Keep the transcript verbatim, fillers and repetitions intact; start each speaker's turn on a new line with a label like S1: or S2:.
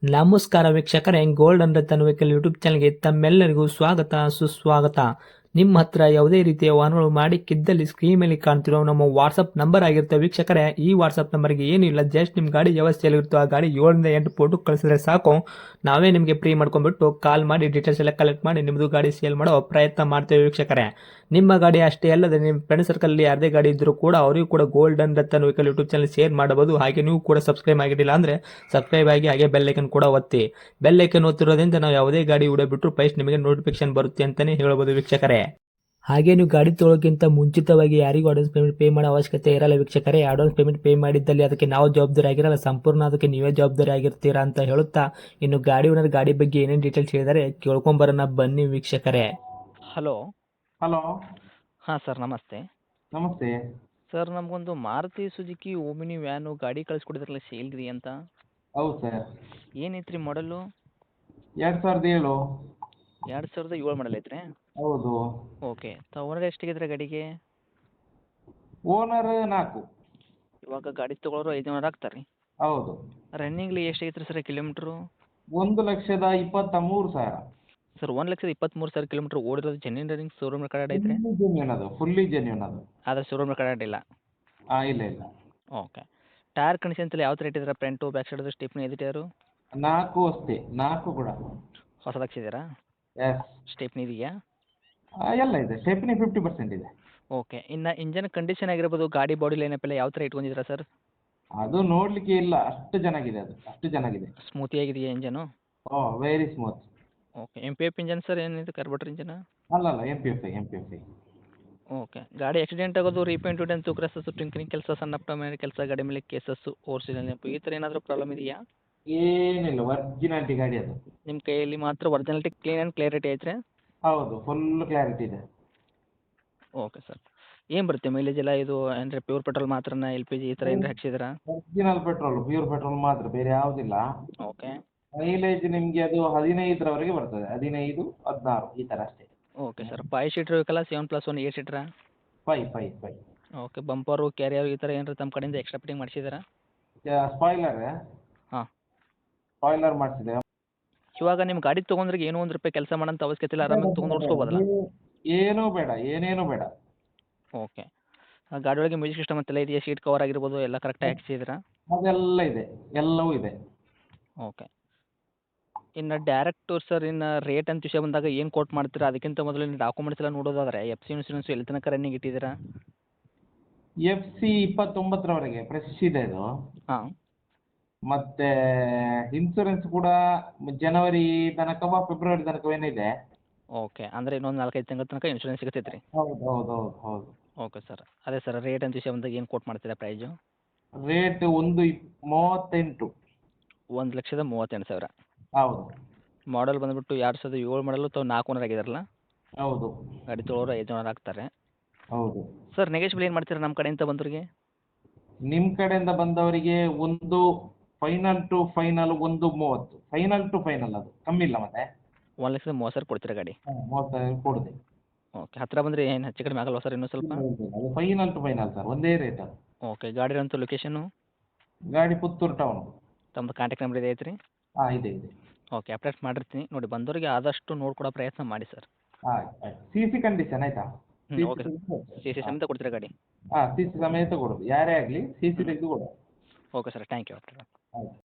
S1: ನಮಸ್ಕಾರ ವೀಕ್ಷಕರೇ, gold and Ratan vehicle YouTube ಚಾನಲ್ಗೆ ತಮ್ಮೆಲ್ಲರಿಗೂ ಸ್ವಾಗತ ಸುಸ್ವಾಗತ. ನಿಮ್ಮ ಹತ್ರ ಯಾವುದೇ ರೀತಿಯ ವಾಹನಗಳು ಮಾಡಿಕ್ಕಿದ್ದಲ್ಲಿ ಸ್ಕ್ರೀನ್ ಮೇಲೆ ಕಾಣ್ತಿರೋ ನಮ್ಮ ವಾಟ್ಸಪ್ ನಂಬರ್ ಆಗಿರುತ್ತೆ ವೀಕ್ಷಕರೇ. ಈ ವಾಟ್ಸಪ್ ನಂಬರ್ಗೆ ಏನಿಲ್ಲ, ಜಸ್ಟ್ ನಿಮ್ಮ ಗಾಡಿ ವ್ಯವಸ್ಥೆಯಲ್ಲಿರುತ್ತೋ ಆ ಗಾಡಿ ಏಳರಿಂದ ಎಂಟು ಫೋಟೋ ಕಳಿಸಿದ್ರೆ ಸಾಕು, ನಾವೇ ನಿಮಗೆ ಫ್ರೀ ಮಾಡ್ಕೊಂಡ್ಬಿಟ್ಟು ಕಾಲ್ ಮಾಡಿ ಡೀಟೇಲ್ಸ್ ಎಲ್ಲ ಕಲೆಕ್ಟ್ ಮಾಡಿ ನಿಮ್ಮದು ಗಾಡಿ ಸೇಲ್ ಮಾಡೋ ಪ್ರಯತ್ನ ಮಾಡ್ತೇವೆ ವೀಕ್ಷಕರೇ. ನಿಮ್ಮ ಗಾಡಿ ಅಷ್ಟೇ ಅಲ್ಲದೆ ನಿಮ್ಮ ಫ್ರೆಂಡ್ ಸರ್ಕಲಲ್ಲಿ ಯಾರದೇ ಗಾಡಿ ಇದ್ದರೂ ಕೂಡ ಅವರಿಗೂ ಕೂಡ gold and Ratan vehicle YouTube channel share ಮಾಡಬಹುದು. ಹಾಗೆ ನೀವು ಕೂಡ ಸಬ್ಸ್ಕ್ರೈಬ್ ಆಗಿರಲಿಲ್ಲ ಅಂದರೆ ಸಬ್ಸ್ಕ್ರೈಬ್ ಆಗಿ ಹಾಗೆ ಬೆಲ್ ಐಕನ್ ಕೂಡ ಒತ್ತಿ. ಬೆಲ್ ಐಕನ್ ಒತ್ತಿರೋದ್ರಿಂದ ನಾವು ಯಾವುದೇ ಗಾಡಿ ವಿಡಿಯೋ ಬಿಟ್ಟರು ಫಸ್ಟ್ ನಿಮಗೆ ನೋಟಿಫಿಕೇಶನ್ ಬರುತ್ತೆ ಅಂತಲೇ ಹೇಳ್ಬೋದು ವೀಕ್ಷಕರೇ. ಹಾಗೆ ನೀವು ಗಾಡಿ ತೊಳೋಕ್ಕಿಂತ ಮುಂಚಿತವಾಗಿ ಯಾರಿಗೂ ಅಡ್ವಾನ್ಸ್ ಪೇಮೆಂಟ್ ಪೇ ಮಾಡೋ ಅವಶ್ಯಕತೆ ಇರಲ್ಲ ವೀಕ್ಷಕರೇ. ಅಡ್ವಾನ್ಸ್ ಪೇಮೆಂಟ್ ಪೇ ಮಾಡಿದ್ದಲ್ಲಿ ಅದಕ್ಕೆ ನಾವು ಜವಾಬ್ದಾರಿ ಆಗಿರಲ್ಲ, ಸಂಪೂರ್ಣ ಅದಕ್ಕೆ ನೀವೇ ಜವಾಬ್ದಾರಿ ಆಗಿರ್ತೀರಾ ಅಂತ ಹೇಳುತ್ತಾ, ಇನ್ನು ಗಾಡಿ ಓನರ್ ಗಾಡಿ ಬಗ್ಗೆ ಏನೇನು ಡೀಟೇಲ್ಸ್ ಹೇಳಿದರೆ ಕೇಳ್ಕೊಂಬರೋಣ ಬನ್ನಿ ವೀಕ್ಷಕರೇ.
S2: ಹಲೋ
S3: ಹಲೋ
S2: ಹಾಂ ಸರ್, ನಮಸ್ತೆ.
S3: ನಮಸ್ತೆ.
S2: ಸರ್, ನಮಗೊಂದು ಮಾರುತಿ ಸುಜುಕಿ ಓಮಿನಿ ವ್ಯಾನು ಗಾಡಿ ಕಳಿಸ್ಕೊಡಿದ್ರಲ್ಲ ಸೇಲ್ರಿ ಅಂತ.
S3: ಹೌದು ಸರ್.
S2: ಏನೈತ್ರಿ ಮಾಡಲು?
S3: ಎರಡು ಸಾವಿರದ ಏಳು.
S2: ಎರಡು ಸಾವಿರದ ಏಳು ಮಾಡಲ್ ಐತ್ರಿ?
S3: ಹೌದು.
S2: ಓಕೆ. ತ ಓನರ್ ಎಷ್ಟಿಗಿದ್ರೆ ಗಾಡಿಗೆ?
S3: ಓನರ್ ನಾಲ್ಕು.
S2: ಇವಾಗ ಗಾಡಿ ತೊಗೊಳೋರು ಐದು ಓನರ್ ಆಗ್ತಾರೆ ರೀ?
S3: ಹೌದು.
S2: ರನ್ನಿಂಗ್ಲಿ ಎಷ್ಟಾಗೈತ್ರಿ ಸರ್ ಕಿಲೋಮೀಟ್ರು?
S3: ಒಂದು ಲಕ್ಷದ ಇಪ್ಪತ್ತ ಮೂರು ಸಾವಿರ.
S2: ಸರ್, ಒಂದು ಲಕ್ಷದ ಇಪ್ಪತ್ತ್ಮೂರು ಸಾವಿರ ಕಿಲೋಮೀಟ್ರ್ ಓಡಿರೋದು ಜೆನ್ಯೂನ್ ರನ್ನಿಂಗ್ ಶೋರೂಮ್ ರೆಕಾರ್ಡ್ ಐತ್ರಿ?
S3: ಫುಲ್ಲಿ ಜೆನ್ಯೂನ್ ಅದು, ಫುಲ್ಲಿ ಜೆನ್ಯೂನ್ ಅದು.
S2: ಆದರೆ ಶೋರೂಮ್ ರೆಕಾರ್ಡ್ ಇಲ್ಲ?
S3: ಹಾಂ, ಇಲ್ಲ ಇಲ್ಲ.
S2: ಓಕೆ. ಟೈರ್ ಕಂಡೀಷನ್ ಎಲ್ಲ ಯಾವ ಥರ ಇಟ್ಟಿದ್ದೀರಾ? ಫ್ರಂಟು ಬ್ಯಾಕ್ ಸೈಡದು ಸ್ಟೆಪ್ನಿ ಇದೆ ಟೈರು?
S3: ನಾಲ್ಕು ಅಷ್ಟೇ, ನಾಲ್ಕು ಕೂಡ.
S2: ಹೊಸದಾಗ್ಸಿದ್ದೀರಾ?
S3: ಎಸ್.
S2: ಸ್ಟೆಪ್ನಿ ಇದೆಯಾ?
S3: ಎಲ್ಲ ಇದೆ, ಸ್ಟೆಪ್ನಿ ಫಿಫ್ಟಿ ಪರ್ಸೆಂಟ್ ಇದೆ.
S2: ಓಕೆ. ಇನ್ನು ಇಂಜನ್ ಕಂಡೀಷನ್ ಆಗಿರ್ಬೋದು, ಗಾಡಿ ಬಾಡಿ ಲೈನಪ್ ಎಲ್ಲ ಯಾವ ಥರ ಇಟ್ಕೊಂಡಿದ್ದೀರಾ ಸರ್?
S3: ಅದು ನೋಡಲಿಕ್ಕೆ ಇಲ್ಲ, ಅಷ್ಟು ಚೆನ್ನಾಗಿದೆ ಅದು, ಅಷ್ಟು ಚೆನ್ನಾಗಿದೆ.
S2: ಸ್ಮೂತಿ ಆಗಿದೆಯಾ engine?
S3: Oh, very smooth.
S2: Okay. M P F engine sir, ಏನಿದೆ ಕಾರ್ಬೋರೇಟರ್ ಇಂಜನ್?
S3: ಅಲ್ಲ ಅಲ್ಲ, M P F I M P F I.
S2: Okay. ಗಾಡಿ ಆಕ್ಸಿಡೆಂಟ್ ಆಗೋದು, ರೀಪೇಂಟು, ಡೆಂತು, ಕ್ರಸಸ್ಸು, ಟಿಂಕರಿಂಗ್ ಕೆಲಸ, ಸಣ್ಣ ಪುಟ್ಟ ಮೇಲೆ ಕೆಲಸ, ಗಾಡಿ ಮೇಲೆ ಕೇಸಸ್ಸು, ಓರ್ಸಿಲ್ಲ ನೆನಪು, ಈ ಥರ ಏನಾದರೂ ಪ್ರಾಬ್ಲಮ್ ಇದೆಯಾ?
S3: ಏನಿಲ್ಲ, ಒರಿಜಿನಾಲಿಟಿ ಗಾಡಿ ಅದು.
S2: ನಿಮ್ಮ ಕೈಯಲ್ಲಿ ಮಾತ್ರ ಒರಿಜಿನಾಲಿಟಿ, ಕ್ಲೀನ್ ಆ್ಯಂಡ್ ಕ್ಲಿಯರಿಟಿ ಐತ್ರಿ?
S3: ಹೌದು, ಫುಲ್ ಕ್ಲಾರಿಟಿ ಇದೆ.
S2: Okay sir. ಏನು ಬರುತ್ತೆ ಮೈಲೇಜ್ ಎಲ್ಲ ಇದು? ಅಂದರೆ ಪ್ಯೂರ್ ಪೆಟ್ರೋಲ್ ಮಾತ್ರನಾ, ಎಲ್ ಪಿ ಜಿ ಈ ಥರ ಏನಾರ ಹಾಕ್ಸಿದ್ದೀರಾ?
S3: ಒರಿಜಿನಲ್ ಪೆಟ್ರೋಲ್, ಪ್ಯೂರ್ ಪೆಟ್ರೋಲ್ ಮಾತ್ರ, ಬೇರೆ ಯಾವುದಿಲ್ಲ.
S2: ಓಕೆ.
S3: ಮೈಲೇಜ್ ನಿಮಗೆ ಅದು ಹದಿನೈದರವರೆಗೆ ಬರ್ತದೆ, ಹದಿನೈದು ಹದಿನಾರು ಈ ಥರ ಅಷ್ಟೇ.
S2: Okay sir. ಫೈವ್ ಸೀಟ್ರ್ ಬೇಕಲ್ಲ, ಸೆವೆನ್ ಪ್ಲಸ್ ಒನ್ ಏಟ್ ಸೀಟ್ರಾ?
S3: Five five five.
S2: Okay. Bumper, carrier ಈ ಥರ ಏನಾರ ತಮ್ಮ ಕಡೆಯಿಂದ ಎಕ್ಸ್ಟ್ರಾ ಫಿಟ್ಟಿಂಗ್ ಮಾಡಿಸಿದ್ದೀರಾ?
S3: ಸ್ಪಾಯ್ಲರ್
S2: ಹಾಂ.
S3: ಸ್ಪಾಯ್ಲರ್ ಮಾಡಿಸಿದೆ.
S2: ಇವಾಗ ನಿಮ್ಮ ಗಾಡಿ ತೊಗೊಂಡ್ರಿಗೆ ಏನೋ ಒಂದು ರೂಪಾಯಿ ಕೆಲಸ ಮಾಡೋಂಥ ಅವಶ್ಯಕತೆ ಇಲ್ಲ, ಆರಾಮಾಗಿ ತೊಗೊಂಡು ಓಡಿಸ್ಕೋಬೋದಲ್ಲ?
S3: ಏನೂ ಬೇಡ, ಏನೇನೂ ಬೇಡ.
S2: ಓಕೆ. ಗಾಡಿ ಒಳಗೆ ಮ್ಯೂಸಿಕ್ ಸಿಸ್ಟಮ್ ಅಂತೆಲ್ಲ ಇದೆಯಾ? ಸೀಟ್ ಕವರ್ ಆಗಿರ್ಬೋದು ಎಲ್ಲ ಕರೆಕ್ಟಾಗಿ ಹಾಕ್ಸಿದ್ದೀರಾ?
S3: ಅದೆಲ್ಲ ಇದೆ, ಎಲ್ಲವೂ ಇದೆ.
S2: ಓಕೆ. ಇನ್ನು ಡೈರೆಕ್ಟು ಸರ್, ಇನ್ನು ರೇಟ್ ಅಂತ ವಿಷಯ ಬಂದಾಗ ಏನು ಕೋಟ್ ಮಾಡ್ತೀರಾ? ಅದಕ್ಕಿಂತ ಮೊದಲು ಇನ್ನು ಡಾಕ್ಯುಮೆಂಟ್ಸ್ ಎಲ್ಲ ನೋಡೋದಾದರೆ ಎಫ್ ಸಿ ಇನ್ಸೂರೆನ್ಸ್ ಎಲ್ಲಿ ತನಕ ರನ್ನಿಂಗ್ ಇಟ್ಟಿದ್ದೀರಾ?
S3: ಎಫ್ ಸಿ ಇಪ್ಪತ್ತೊಂಬತ್ತರವರೆಗೆ ಫ್ರೆಶ್ ಇದೆ ಇದು.
S2: ಹಾಂ.
S3: ಮತ್ತೆ ಇನ್ಸೂರೆನ್ಸ್ ಕೂಡ ಜನವರಿ ತನಕ ಫೆಬ್ರವರಿ ತನಕವೇನಿದೆ.
S2: ಓಕೆ. ಅಂದರೆ ಇನ್ನೊಂದು ನಾಲ್ಕೈದು ತಿಂಗಳ ತನಕ ಇನ್ಶೂರೆನ್ಸ್ ಸಿಗುತ್ತೈತೆ ರೀ?
S3: ಹೌದು ಹೌದು ಹೌದು ಹೌದು.
S2: Okay sir. ಅದೇ ಸರ್, ರೇಟ್ ಅಂತ ವಿಷಯ ಬಂದಾಗ ಏನು ಕೋಟ್ ಮಾಡ್ತೀರಾ ಪ್ರೈಸು?
S3: ರೇಟ್ ಒಂದು ಇಪ್ ಮೂವತ್ತೆಂಟು.
S2: ಒಂದು ಲಕ್ಷದ ಮೂವತ್ತೆಂಟು ಸಾವಿರ.
S3: ಹೌದು.
S2: ಮಾಡಲ್ ಬಂದುಬಿಟ್ಟು ಎರಡು ಸಾವಿರದ ಏಳು ಮಾಡಲು ತಾವು ನಾಲ್ಕು ಓನರ್ ಆಗಿದಾರಲ್ಲ?
S3: ಹೌದು.
S2: ಗಾಡಿ ತೊಗೊಳೋರು ಐದು ಓನರ್ ಆಗ್ತಾರೆ.
S3: ಹೌದು.
S2: ಸರ್, ನೆಗೆಶ್ಬಲ್ ಏನು ಮಾಡ್ತೀರಾ ನಮ್ಮ ಕಡೆಯಿಂದ ಬಂದವರಿಗೆ?
S3: ನಿಮ್ಮ ಕಡೆಯಿಂದ ಬಂದವರಿಗೆ ಒಂದು ಫೈನಲ್ ಟು ಫೈನಲ್ ಒಂದು ಮೂವತ್ತು, ಫೈನಲ್ ಟು ಫೈನಲ್, ಅದು ಕಮ್ಮಿ ಇಲ್ಲ ಮತ್ತೆ.
S2: ಒಂದು ಲಕ್ಷದ ಮೂವತ್ತು ಸಾವಿರ ಕೊಡ್ತೀರಾ ಗಾಡಿ?
S3: ಹಾಂ, ಮೂವತ್ತು ಸಾವಿರ ಕೊಡಿದೆ.
S2: ಓಕೆ. ಹತ್ತಿರ ಬಂದರೆ ಏನು ಹೆಚ್ಚು ಕಡಿಮೆ ಆಗಲ್ವಾ ಸರ್ ಇನ್ನೂ ಸ್ವಲ್ಪ?
S3: ಅದು ಫೈನಲ್ ಟು ಫೈನಲ್ ಸರ್, ಒಂದೇ ರೇಟ್ ಅದು.
S2: ಓಕೆ. ಗಾಡಿ ಇರೋಂಥ ಲೊಕೇಶನು?
S3: ಗಾಡಿ ಪುತ್ತೂರು ಟೌನು.
S2: ತಮ್ಮದು ಕಾಂಟ್ಯಾಕ್ಟ್ ನಂಬರ್ ಇದೆ ಐತ್ರಿ?
S3: ಹಾಂ, ಇದೆ ಇದೆ.
S2: ಓಕೆ. ಅಪ್ಡೇಟ್ ಮಾಡಿರ್ತೀನಿ ನೋಡಿ, ಬಂದವರಿಗೆ ಆದಷ್ಟು ನೋಡ್ಕೊಡೋ ಪ್ರಯತ್ನ ಮಾಡಿ ಸರ್.
S3: ಆಯ್ತು ಆಯ್ತು. ಸಿ ಸಿ ಕಂಡೀಷನ್ ಆಯಿತಾ?
S2: ಹ್ಞೂ. ಓಕೆ. ಸಿ ಸಿ ಸಮೇತ ಕೊಡ್ತೀರಾ ಗಾಡಿ?
S3: ಹಾಂ, ಸಿ ಸಿ ಸಮೇತ ಕೊಡೋದು, ಯಾರೇ ಆಗಲಿ ಸಿ ಸಿ ತೆಗೆದು ಕೊಡೋದು.
S2: Okay sir, thank you.
S3: ಆಯ್ತು.